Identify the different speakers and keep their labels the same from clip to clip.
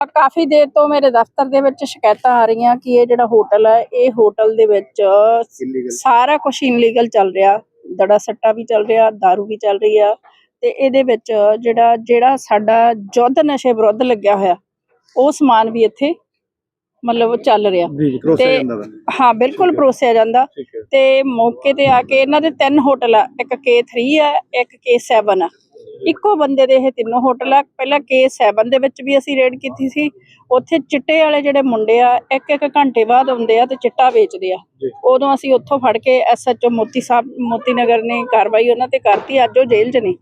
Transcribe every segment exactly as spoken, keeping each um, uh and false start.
Speaker 1: ਕਾਫੀ ਦੇਰ ਤੋਂ ਮੇਰੇ ਦਫ਼ਤਰ ਦੇ ਵਿੱਚ ਸ਼ਿਕਾਇਤਾਂ ਆ ਰਹੀਆਂ ਕਿ ਇਹ ਜਿਹੜਾ ਹੋਟਲ ਹੈ ਇਹ ਹੋਟਲ ਦੇ ਵਿੱਚ ਸਾਰਾ ਕੁਝ ਇਨਲੀਗਲ ਚੱਲ ਰਿਹਾ, ਦੜਾ ਸੱਟਾ ਵੀ ਚੱਲ ਰਿਹਾ, ਦਾਰੂ ਵੀ ਚੱਲ ਰਹੀ ਆ ਤੇ ਇਹਦੇ ਵਿੱਚ ਜਿਹੜਾ ਜਿਹੜਾ ਸਾਡਾ ਯੁੱਧ ਨਸ਼ੇ ਵਿਰੁੱਧ ਲੱਗਿਆ ਹੋਇਆ ਉਹ ਸਮਾਨ ਵੀ ਇੱਥੇ ਮਤਲਬ ਚੱਲ ਰਿਹਾ ਤੇ ਹਾਂ ਬਿਲਕੁਲ ਪਰੋਸਿਆ ਜਾਂਦਾ। ਤੇ ਮੌਕੇ ਤੇ ਆ ਕੇ ਇਹਨਾਂ ਦੇ ਤਿੰਨ ਹੋਟਲ ਆ, ਇੱਕ ਕੇ ਥ੍ਰੀ ਆ, ਇੱਕ ਕੇ ਸੈਵਨ ਆ, ਇੱਕੋ ਬੰਦੇ ਦੇ ਇਹ ਤਿੰਨੋਂ ਹੋਟਲ ਆ। ਪਹਿਲਾਂ ਕੇ ਸੈਵਨ ਦੇ ਵਿੱਚ ਵੀ ਅਸੀਂ ਰੇਡ ਕੀਤੀ ਸੀ, ਉੱਥੇ ਚਿੱਟੇ ਵਾਲੇ ਜਿਹੜੇ ਮੁੰਡੇ ਆ ਇੱਕ ਇੱਕ ਘੰਟੇ ਬਾਅਦ ਆਉਂਦੇ ਆ ਤੇ ਚਿੱਟਾ ਵੇਚਦੇ ਆ। ਉਦੋਂ ਅਸੀਂ ਉੱਥੋਂ ਫੜ ਕੇ ਐਸ ਐਚ ਓ ਮੋਤੀ ਸਾਹਿਬ ਮੋਤੀ ਨਗਰ ਨੇ ਕਾਰਵਾਈ ਉਹਨਾਂ ਤੇ ਕਰਤੀ, ਅੱਜ ਉਹ ਜੇਲ੍ਹ 'ਚ ਨੇ।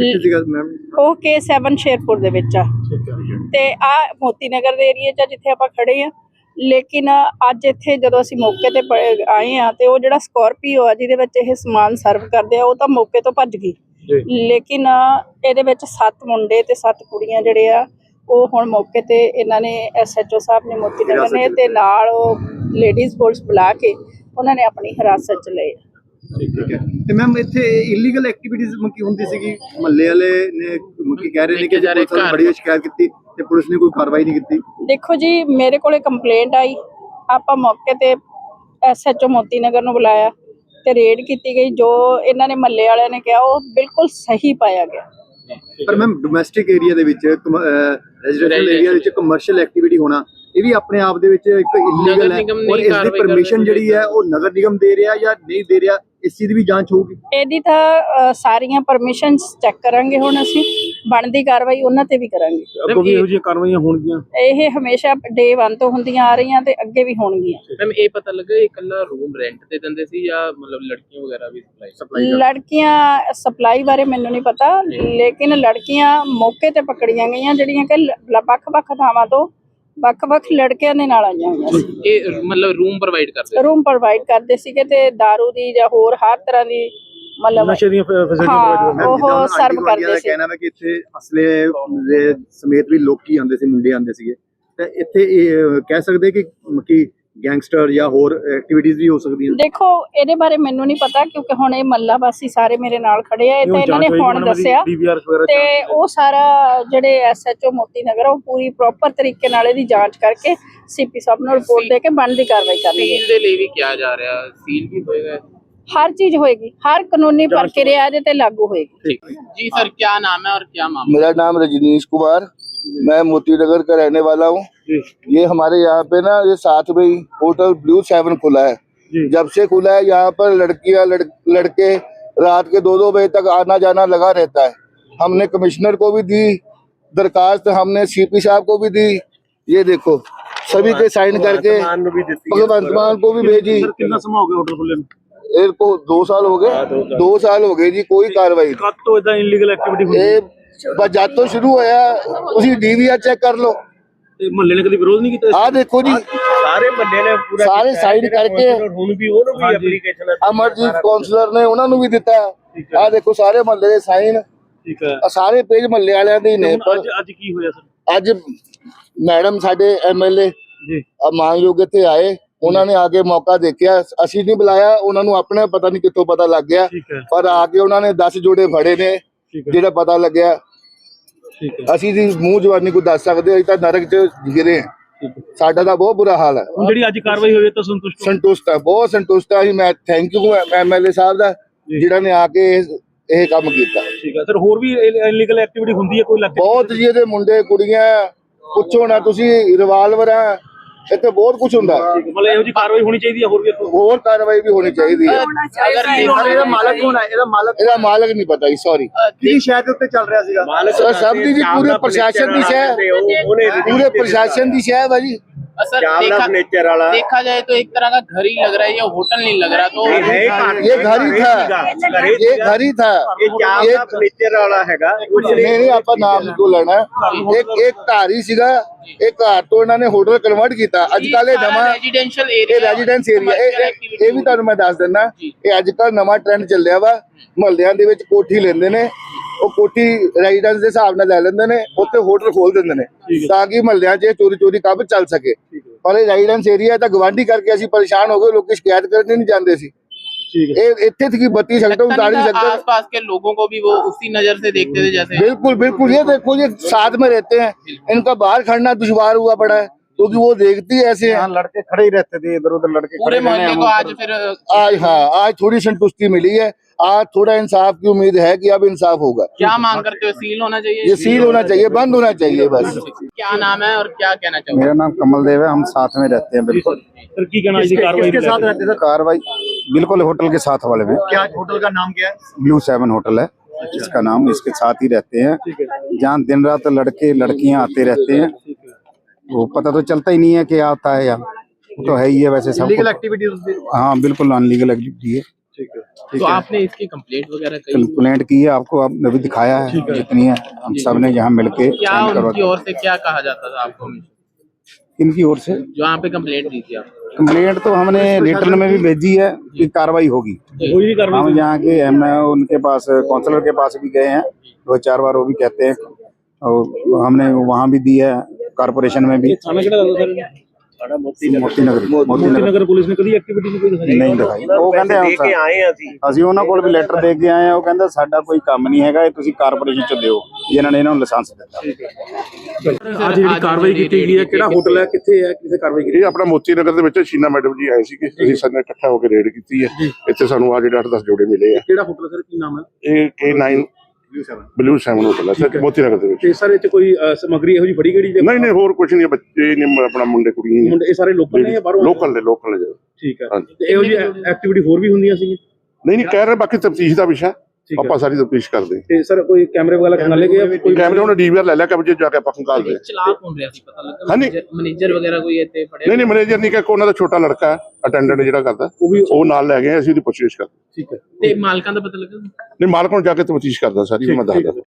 Speaker 1: ਉਹ ਕੇ ਸੈਵਨ ਸ਼ੇਰਪੁਰ ਦੇ ਵਿੱਚ ਆ ਤੇ ਆ ਮੋਤੀ ਨਗਰ ਦੇ ਏਰੀਏ 'ਚ ਜਿੱਥੇ ਆਪਾਂ ਖੜੇ ਆ। ਲੇਕਿਨ ਅੱਜ ਇੱਥੇ ਜਦੋਂ ਅਸੀਂ ਮੌਕੇ ਤੇ ਆਏ ਆ ਤੇ ਉਹ ਜਿਹੜਾ ਸਕੋਰਪੀਓ ਆ ਜਿਹਦੇ ਵਿੱਚ ਇਹ ਸਮਾਨ ਸਰਵ ਕਰਦੇ ਆ ਉਹ ਤਾਂ ਮੌਕੇ ਤੋਂ ਭੱਜ ਗਈ। ਲੇਕਿਨ ਇਹਦੇ ਵਿੱਚ ਸੱਤ ਮੁੰਡੇ ਤੇ ਸੱਤ ਕੁੜੀਆਂ ਜਿਹੜੇ ਆ ਉਹ ਹੁਣ ਮੌਕੇ ਤੇ ਇਹਨਾਂ ਨੇ ਐਸ ਐਚ ਓ ਸਾਹਿਬ ਨੇ ਮੋਤੀ ਨਗਰ ਨੇ ਤੇ ਨਾਲ ਉਹ ਲੇਡੀਜ਼ ਪੁਲਿਸ ਬੁਲਾ ਕੇ ਉਹਨਾਂ ਨੇ ਆਪਣੀ ਹਿਰਾਸਤ 'ਚ ਲਏ।
Speaker 2: ਠੀਕ ਹੈ ਤੇ ਮੈਮ ਇੱਥੇ ਇਲੀਗਲ ਐਕਟੀਵਿਟੀਜ਼ ਮੱਕੀ ਹੁੰਦੀ ਸੀਗੀ, ਮਹੱਲੇ ਵਾਲੇ ਨੇ ਮੱਕੀ ਕਹਿ ਰਹੇ ਨੇ ਕਿ ਪੁਲਿਸ ਨੇ ਬੜੀ ਸ਼ਿਕਾਇਤ ਕੀਤੀ ਤੇ ਪੁਲਿਸ ਨੇ ਕੋਈ ਕਾਰਵਾਈ ਨਹੀਂ ਕੀਤੀ।
Speaker 1: ਦੇਖੋ ਜੀ, ਮੇਰੇ ਕੋਲੇ ਕੰਪਲੇਂਟ ਆਈ, ਆਪਾਂ ਮੌਕੇ ਤੇ ਐਸ ਐਚ ਓ ਮੋਤੀ ਨਗਰ ਨੂੰ ਬੁਲਾਇਆ ਤੇ ਰੇਡ ਕੀਤੀ ਗਈ। ਜੋ ਇਹਨਾਂ ਨੇ ਮਹੱਲੇ ਵਾਲਿਆਂ ਨੇ ਕਿਹਾ ਉਹ ਬਿਲਕੁਲ ਸਹੀ ਪਾਇਆ ਗਿਆ।
Speaker 2: ਪਰ ਮੈਮ ਡੋਮੈਸਟਿਕ ਏਰੀਆ ਦੇ ਵਿੱਚ ਰੈਜ਼ੀਡੈਂਸ਼ੀਅਲ ਏਰੀਆ ਵਿੱਚ ਕਮਰਸ਼ੀਅਲ ਐਕਟੀਵਿਟੀ ਹੋਣਾ ਇਹ ਵੀ ਆਪਣੇ ਆਪ ਦੇ ਵਿੱਚ ਇੱਕ ਇਲੀਗਲ ਹੈ ਔਰ ਇਸ ਦੀ ਪਰਮਿਸ਼ਨ ਜਿਹੜੀ ਹੈ ਉਹ ਨਗਰ ਨਿਗਮ ਦੇ ਰਿਹਾ ਜਾਂ ਨਹੀਂ ਦੇ ਰਿਹਾ, ਇਸ ਚੀਜ਼ ਦੀ ਵੀ ਜਾਂਚ ਹੋਊਗੀ।
Speaker 1: ਇਹਦੀ ਤਾਂ ਸਾਰੀਆਂ ਪਰਮਿਸ਼ਨਸ ਚੈੱਕ ਕਰਾਂਗੇ, ਹੁਣ ਅਸੀਂ ਬਣਦੀ ਕਾਰਵਾਈ ਉਹਨਾਂ ਤੇ ਵੀ ਕਰਾਂਗੇ।
Speaker 2: ਅੱਗੋਂ ਵੀ ਇਹੋ ਜਿਹੀਆਂ ਕਾਰਵਾਈਆਂ ਹੋਣਗੀਆਂ,
Speaker 1: ਇਹ ਹਮੇਸ਼ਾ ਡੇ ਵਨ ਤੋਂ ਹੁੰਦੀਆਂ ਆ ਰਹੀਆਂ ਤੇ ਅੱਗੇ ਵੀ ਹੋਣਗੀਆਂ।
Speaker 3: ਮੈਮ ਇਹ ਪਤਾ ਲੱਗਾ ਇਹ ਇਕੱਲਾ ਰੂਮ ਰੈਂਟ ਤੇ ਦਿੰਦੇ ਸੀ ਜਾਂ ਮਤਲਬ ਲੜਕੀਆਂ ਵਗੈਰਾ ਵੀ ਸਪਲਾਈ?
Speaker 1: ਲੜਕੀਆਂ ਸਪਲਾਈ ਬਾਰੇ ਮੈਨੂੰ ਨਹੀਂ ਪਤਾ, ਲੇਕਿਨ ਲੜਕੀਆਂ ਮੌਕੇ ਤੇ ਪਕੜੀਆਂ ਗਈਆਂ ਜਿਹੜੀਆਂ ਕਿ ਵੱਖ-ਵੱਖ ਥਾਵਾਂ ਤੋਂ ਵੱਖ-ਵੱਖ ਲੜਕਿਆਂ ਦੇ ਨਾਲ ਆਈਆਂ ਹੋਈਆਂ ਸੀ।
Speaker 3: ਇਹ ਮਤਲਬ ਰੂਮ ਪ੍ਰੋਵਾਈਡ ਕਰਦੇ
Speaker 1: ਰੂਮ ਪ੍ਰੋਵਾਈਡ ਕਰਦੇ ਸੀਗੇ ਤੇ ਦਾਰੂ ਦੀ ਜਾਂ ਹੋਰ ਹਰ ਤਰ੍ਹਾਂ ਦੀ ਮਤਲਬ
Speaker 2: ਨਸ਼ੇ ਦੀਆਂ ਫੈਸਿਲਿਟੀ
Speaker 1: ਉਹ ਸਰਵ ਕਰਦੇ ਸੀ।
Speaker 2: ਕਹਿਣਾ ਹੈ ਕਿ ਇੱਥੇ ਅਸਲੇ ਦੇ ਸਮੇਤ ਵੀ ਲੋਕੀ ਆਉਂਦੇ ਸੀ, ਮੁੰਡੇ ਆਉਂਦੇ ਸੀਗੇ ਤੇ ਇੱਥੇ ਇਹ ਕਹਿ ਸਕਦੇ ਕਿ ਕਿ ਗੈਂਗਸਟਰ ਜਾਂ ਹੋਰ ਐਕਟੀਵਿਟੀਜ਼ ਵੀ ਹੋ ਸਕਦੀਆਂ।
Speaker 1: ਦੇਖੋ ਇਹਦੇ ਬਾਰੇ ਮੈਨੂੰ ਨਹੀਂ ਪਤਾ ਕਿਉਂਕਿ ਹੁਣ ਇਹ ਮੱਲਾ ਵਾਸੀ ਸਾਰੇ ਮੇਰੇ ਨਾਲ ਖੜੇ ਆ, ਇਹ ਤਾਂ ਇਹਨਾਂ ਨੇ ਹੁਣ ਦੱਸਿਆ ਤੇ ਉਹ ਸਾਰਾ ਜਿਹੜੇ ਐਸ ਐਚ ਓ ਮੋਤੀ ਨਗਰ ਉਹ ਪੂਰੀ ਪ੍ਰੋਪਰ ਤਰੀਕੇ ਨਾਲ ਇਹਦੀ ਜਾਂਚ ਕਰਕੇ ਸੀ ਪੀ ਸਾਹਿਬ ਨੂੰ ਰਿਪੋਰਟ ਦੇ ਕੇ ਬਣਦੀ ਕਾਰਵਾਈ ਕਰਨਗੇ।
Speaker 3: ਸੀਲ ਦੇ ਲਈ ਵੀ ਕਿਹਾ ਜਾ ਰਿਹਾ, ਸੀਲ ਵੀ ਹੋਏਗਾ,
Speaker 1: हर चीज होएगी, हर कानूनी प्रक्रिया पे लागू होएगी।
Speaker 3: जी सर, क्या नाम है और क्या मामला?
Speaker 4: मेरा नाम रजनीश कुमार, मैं मोती नगर का रहने वाला हूँ। ये हमारे यहाँ पे ना ये साथ में ही होटल ब्लू सेवन खुला है। जब से खुला है यहाँ पर लड़कियाँ लड़, लड़के रात के दो दो बजे तक आना जाना लगा रहता है। हमने कमिश्नर को भी दी दरखास्त, हमने सीपी साहब को भी दी, ये देखो सभी के साइन करके भगवंत मान को भी भेजी।
Speaker 2: कितना समय हो गया होटल खुले में?
Speaker 4: को दो साल हो गए, दो साल हो गए जी, कोई कार्रवाई
Speaker 2: कद तो इतना इलीगल एक्टिविटी हुई
Speaker 4: है। बस जब तो शुरू होया उसी डीवीआर चेक कर लो।
Speaker 2: महल्ले ने कभी विरोध नहीं किया?
Speaker 4: आ देखो जी
Speaker 2: सारे महल्ले ने पूरा
Speaker 4: सारे साइन करके
Speaker 2: ਹੁਣ ਵੀ ਉਹਨੂੰ ਵੀ ਐਪਲੀਕੇਸ਼ਨ
Speaker 4: ਅਮਰਜੀਤ ਕਾਉਂਸਲਰ ਨੇ ਉਹਨਾਂ ਨੂੰ ਵੀ ਦਿੱਤਾ। ਆ ਦੇਖੋ ਸਾਰੇ ਮਹੱਲੇ ਦੇ ਸਾਈਨ,
Speaker 2: ਠੀਕ ਹੈ,
Speaker 4: ਆ ਸਾਰੇ ਪੇਜ ਮਹੱਲੇ ਵਾਲਿਆਂ ਦੇ ਨੇ।
Speaker 2: ਅੱਜ ਅੱਜ ਕੀ ਹੋਇਆ ਸਰ?
Speaker 4: ਅੱਜ ਮੈਡਮ ਸਾਡੇ ਐਮਐਲਏ
Speaker 2: ਜੀ
Speaker 4: ਮਾਨਯੋਗ ਇੱਥੇ ਆਏ, ਉਹਨਾਂ ਨੇ ਆ ਕੇ ਮੌਕਾ ਦੇਖਿਆ, ਅਸੀਂ ਨਹੀਂ ਬੁਲਾਇਆ ਉਹਨਾਂ ਨੂੰ, ਆਪਣੇ ਪਤਾ ਨਹੀਂ ਕਿੱਥੋਂ ਪਤਾ ਲੱਗ ਗਿਆ, ਪਰ ਆ ਕੇ ਉਹਨਾਂ ਨੇ ਦਸ ਜੋੜੇ ਫੜੇ ਨੇ ਜਿਹੜਾ ਪਤਾ ਲੱਗਿਆ। ਅਸੀਂ ਜੀ ਮੂੰਹ ਜਵਾਨੀ ਕੋਈ ਦੱਸ ਸਕਦੇ, ਅਸੀਂ ਤਾਂ ਨਰਕ ਚ ਗਿਰੇ ਹਾਂ, ਸਾਡਾ ਤਾਂ ਬਹੁਤ ਬੁਰਾ ਹਾਲ ਹੈ।
Speaker 2: ਜਿਹੜੀ ਅੱਜ ਕਾਰਵਾਈ ਹੋਈ ਤਾਂ ਸੰਤੁਸ਼ਟ
Speaker 4: ਸੰਤੁਸ਼ਟ ਹੈ, ਬਹੁਤ ਸੰਤੁਸ਼ਟ ਹੈ। ਮੈਂ ਥੈਂਕ ਯੂ ਐਮਐਲਏ ਸਾਹਿਬ ਦਾ ਜਿਹੜਾ ਨੇ ਆ ਕੇ ਇਹ ਕੰਮ ਕੀਤਾ।
Speaker 2: ਠੀਕ ਹੈ ਸਰ, ਹੋਰ ਵੀ ਇਲੀਗਲ ਐਕਟੀਵਿਟੀ ਹੁੰਦੀ ਹੈ ਕੋਈ ਇਲਾਕੇ
Speaker 4: ਬਹੁਤ ਜੀ, ਇਹਦੇ ਮੁੰਡੇ ਕੁੜੀਆਂ ਪੁੱਛੋ ਨਾ ਤੁਸੀਂ, ਰਿਵਾਲਵਰ ਆ ਇੱਥੇ ਬਹੁਤ ਕੁਝ ਹੁੰਦਾ।
Speaker 2: ਮਤਲਬ ਇਹੋ ਜਿਹੀ ਕਾਰਵਾਈ ਹੋਣੀ ਚਾਹੀਦੀ ਹੈ, ਹੋਰ ਵੀ
Speaker 4: ਹੋਰ ਕਾਰਵਾਈ ਵੀ ਹੋਣੀ ਚਾਹੀਦੀ ਹੈ।
Speaker 2: ਇਹਦਾ ਮਾਲਕ ਕੌਣ ਹੈ? ਇਹਦਾ ਮਾਲਕ
Speaker 4: ਇਹਦਾ ਮਾਲਕ ਨਹੀਂ ਪਤਾ ਜੀ, ਸੌਰੀ।
Speaker 2: ਕਿਹਦੀ ਸ਼ਾਇਦ ਉੱਤੇ ਚੱਲ ਰਿਹਾ ਸੀਗਾ?
Speaker 4: ਸਰ ਸਭ ਦੀ ਜੀ, ਪੂਰੇ ਪ੍ਰਸ਼ਾਸਨ ਦੀ ਸ਼ਹਿ, ਪੂਰੇ ਪ੍ਰਸ਼ਾਸਨ ਦੀ ਸ਼ਹਿ ਹੈ ਜੀ।
Speaker 3: सर देखा, देखा जाए तो एक तरह का घर ही लग रहा है, ये होटल नहीं लग रहा। तो
Speaker 4: ये घर ही था, ये घर ही था, ये
Speaker 2: फर्नीचर वाला हैगा।
Speaker 4: नहीं नहीं ਆਪਾਂ ਨਾਮ ਨਹੀਂ ਲੈਣਾ। ਇੱਕ ਇੱਕ ਘਰ ਹੀ ਸੀਗਾ, ਇੱਕ ਘਰ ਤੋਂ ਇਹਨਾਂ ਨੇ ਹੋਟਲ ਕਨਵਰਟ ਕੀਤਾ। ਅੱਜ ਕੱਲ ਇਹ ਨਵਾਂ
Speaker 3: ਰੈਜ਼ੀਡੈਂਸ਼ੀਅਲ
Speaker 4: ਇਹ
Speaker 3: ਏਰੀਆ,
Speaker 4: ਰੈਜ਼ੀਡੈਂਸ ਏਰੀਆ, ਇਹ ਵੀ ਤੁਹਾਨੂੰ ਮੈਂ ਦੱਸ ਦਿੰਦਾ। ਇਹ ਅੱਜ ਕੱਲ ਨਵਾਂ ਟ੍ਰੈਂਡ ਚੱਲਿਆ ਵਾ, ਮੁਹੱਲਿਆਂ ਦੇ ਵਿੱਚ ਕੋਠੀ ਲੈਂਦੇ ਨੇ, ਉਹ ਕੋਠੀ ਰੈਜ਼ੀਡੈਂਸ ਦੇ ਹਿਸਾਬ ਨਾਲ ਲੈ ਲੈਂਦੇ ਨੇ, ਉੱਥੇ ਹੋਟਲ ਖੋਲ ਦਿੰਦੇ ਨੇ ਤਾਂ ਕਿ ਮੁਹੱਲਿਆਂ 'ਚ ਚੋਰੀ ਚੋਰੀ ਕੰਮ ਚੱਲ ਸਕੇ। ਪਰ ਇਹ ਰੈਜ਼ੀਡੈਂਸ ਏਰੀਆ ਤਾਂ ਗਵਾਂਢੀ ਕਰਕੇ ਅਸੀਂ ਪਰੇਸ਼ਾਨ ਹੋ ਗਏ, ਲੋਕੀ ਸ਼ਿਕਾਇਤ ਕਰਨ ਨਹੀਂ ਜਾਂਦੇ ਸੀ। ये इतने की बत्ती सकते
Speaker 3: लगता
Speaker 4: उतार
Speaker 3: नहीं
Speaker 4: नहीं
Speaker 3: था
Speaker 4: सकते।
Speaker 3: आसपास के लोगों को भी वो उसी नजर से देखते थे जैसे।
Speaker 4: बिल्कुल बिल्कुल, ये देखो ये साथ में रहते हैं, इनका बाहर खड़ना दुश्वार हुआ पड़ा है क्योंकि वो देखती है ऐसे हैं।
Speaker 2: लड़के खड़े ही रहते थे, इधर उधर लड़के
Speaker 3: पूरे मोहल्ले को आज फिर
Speaker 4: आज हाँ आज थोड़ी संतुष्टि मिली है, आज थोड़ा इंसाफ की उम्मीद है कि अब इंसाफ होगा।
Speaker 3: क्या मांग करते हो? सील होना चाहिए?
Speaker 4: ये सील होना चाहिए, बंद होना चाहिए बस।
Speaker 3: क्या नाम है और क्या कहना चाहोगे?
Speaker 2: मेरा नाम कमल देव है, हम साथ में रहते हैं बिल्कुल।
Speaker 5: सर की कहना जी कार्रवाई
Speaker 2: किसके साथ रहते थे? कार्रवाई बिल्कुल होटल के साथ वाले में।
Speaker 6: क्या होटल का नाम क्या है?
Speaker 2: ब्लू सेवन होटल है इसका नाम, इसके साथ ही रहते हैं, जहाँ दिन रात लड़के लड़कियां आते रहते हैं। वो पता तो चलता ही नहीं है कि आता है यहाँ, वो तो है ही है वैसे सब।
Speaker 6: Legal activities.
Speaker 2: हाँ बिल्कुल अनलीगल एक्टिविटी है।
Speaker 3: तो आपने इसकी कंप्लेंट वगैरह की?
Speaker 2: कंप्लेंट की है, आपको आपने अभी दिखाया है जितनी है, हम सब ने यहाँ मिलके
Speaker 3: क्या
Speaker 2: sign करवा-
Speaker 3: उनकी ओर से क्या कहा जाता था आपको?
Speaker 2: इनकी ओर से
Speaker 3: जो यहाँ पे कंप्लेंट दी थी आप?
Speaker 2: कंप्लेंट तो हमने रिटर्न में भी भेजी है कि कार्रवाई होगी।
Speaker 5: कोई भी कार्रवाई
Speaker 2: हम यहाँ के हम उनके पास काउंसलर के पास भी गए हैं दो चार बार, वो भी कहते हैं, और हमने वहाँ भी दी है, कारपोरेशन में भी।
Speaker 5: थाना किहड़ा लगदा सर?
Speaker 2: मोती नगर मोती
Speaker 5: ਮੋਤੀ
Speaker 2: नगर
Speaker 5: ਨਗਰ ਪੁਲਿਸ ਨੇ ਕਦੀ ਐਕਟੀਵਿਟੀ ਨਹੀਂ ਕੋਈ ਦਿਖਾਈ?
Speaker 2: ਨਹੀਂ ਦਿਖਾਈ। ਉਹ ਕਹਿੰਦੇ ਆਏ ਅਸੀਂ ਉਹਨਾਂ ਕੋਲ ਵੀ ਲੈਟਰ ਦੇ ਕੇ ਆਏ ਆ, ਉਹ ਕਹਿੰਦਾ ਸਾਡਾ ਕੋਈ ਕੰਮ ਨਹੀਂ ਹੈਗਾ, ਇਹ ਤੁਸੀਂ ਕਾਰਪੋਰੇਸ਼ਨ ਚ ਦਿਓ, ਜਿਨ੍ਹਾਂ ਨੇ ਇਹਨਾਂ ਨੂੰ ਲਾਇਸੈਂਸ ਦਿੱਤਾ।
Speaker 5: ਅੱਜ ਜਿਹੜੀ ਕਾਰਵਾਈ ਕੀਤੀ ਗਈ ਹੈ ਕਿਹੜਾ ਹੋਟਲ ਹੈ, ਕਿੱਥੇ ਹੈ, ਕਿੱਥੇ ਕਾਰਵਾਈ ਕੀਤੀ?
Speaker 7: ਇਹ ਆਪਣਾ ਮੋਤੀ ਨਗਰ ਦੇ ਵਿੱਚ ਸ਼ੀਨਾ ਮੈਡਮ ਜੀ ਆਏ ਸੀ ਕਿ ਅਸੀਂ ਸਾਰੇ ਇਕੱਠਾ ਹੋ ਕੇ ਰੇਡ ਕੀਤੀ ਹੈ। ਇੱਥੇ ਸਾਨੂੰ ਆ ਜਿਹੜੇ ਅੱਠ ਦਸ ਜੋੜੇ ਮਿਲੇ ਆ।
Speaker 5: ਕਿਹੜਾ ਹੋਟਲ ਸਰ, ਕੀ ਨਾਮ ਹੈ?
Speaker 7: ਇਹ K nine blue seven hotel ਹੈ ਸਰ, ਮੋਤੀ ਨਗਰ ਦੇ ਵਿੱਚ।
Speaker 5: ਤੇ ਸਰ ਇਹ ਚ ਕੋਈ ਅ, ਸਮੱਗਰੀ ਇਹੋ ਜਿਹੀ ਫੜੀ ਗਈ?
Speaker 7: ਨਹੀਂ ਨਹੀਂ ਹੋਰ ਕੁਝ ਨਹੀਂ, ਬੱਚੇ ਨੇ ਆਪਣਾ ਮੁੰਡੇ ਕੁੜੀਆਂ ਨੇ,
Speaker 5: ਮੁੰਡੇ ਇਹ ਸਾਰੇ ਲੋਕਲ ਨੇ ਜਾਂ ਬਾਹਰੋਂ?
Speaker 7: ਲੋਕਲ ਨੇ ਲੋਕਲ ਨੇ ਜੀ।
Speaker 5: ਠੀਕ ਹੈ।
Speaker 7: ਹਾਂਜੀ।
Speaker 5: ਤੇ ਇਹੋ ਜਿਹੀ ਐਕਟੀਵਿਟੀ ਹੋਰ ਵੀ ਹੁੰਦੀਆਂ ਸੀ?
Speaker 7: ਨਹੀਂ ਨਹੀਂ ਕਹਿ ਰਹੇ, ਬਾਕੀ ਤਫਤੀਸ਼ ਦਾ ਵਿਸ਼ਾ
Speaker 5: ਠੀਕ ਹੈ।
Speaker 7: ਆਪਾਂ ਸਾਰੀ ਤਫਤੀਸ਼ ਕਰਦੇ
Speaker 5: ਤੇ ਸਰ ਕੋਈ ਕੈਮਰੇ ਵਗੈਰਾ ਖੰਗਾਲੇ ਗਏ ਆ? ਕੋਈ
Speaker 7: ਕੈਮਰੇ ਉਹਨੇ ਡੀਵੀਆਰ ਲੈ ਲਿਆ ਕਬਜੇ ਜਾ ਕੇ ਆਪਾਂ ਖੰਗਾਲਦੇ।
Speaker 3: ਚਲਾ ਕੌਣ ਰਿਹਾ ਸੀ ਪਤਾ ਲੱਗਾ?
Speaker 7: ਹਾਂਜੀ।
Speaker 3: ਮੈਨੇਜਰ ਵਗੈਰਾ ਕੋਈ ਇੱਥੇ ਫੜਿਆ?
Speaker 7: ਨਹੀਂ ਨਹੀਂ ਮੈਨੇਜਰ ਨਹੀਂ, ਕਿ ਉਹਨਾਂ ਦਾ ਛੋਟਾ ਲੜਕਾ ਹੈ ਅਟੈਂਡੈਂਟ ਜਿਹੜਾ ਕਰਦਾ,
Speaker 5: ਉਹ ਵੀ
Speaker 7: ਉਹ ਨਾਲ ਲੈ ਗਏ, ਅਸੀਂ ਉਹਦੀ ਪੁੱਛਗਿੱਛ ਕਰਦੇ।
Speaker 5: ਠੀਕ ਹੈ।
Speaker 3: ਤੇ ਮਾਲਕਾਂ ਦਾ ਪਤਾ ਲੱਗਾ?
Speaker 7: ਨਹੀਂ ਮਾਲਕ ਨੂੰ ਜਾ ਕੇ ਤਫਤੀਸ਼ ਕਰਦਾ ਸਾਰੀ, ਮੈਂ ਦੱਸਦਾ।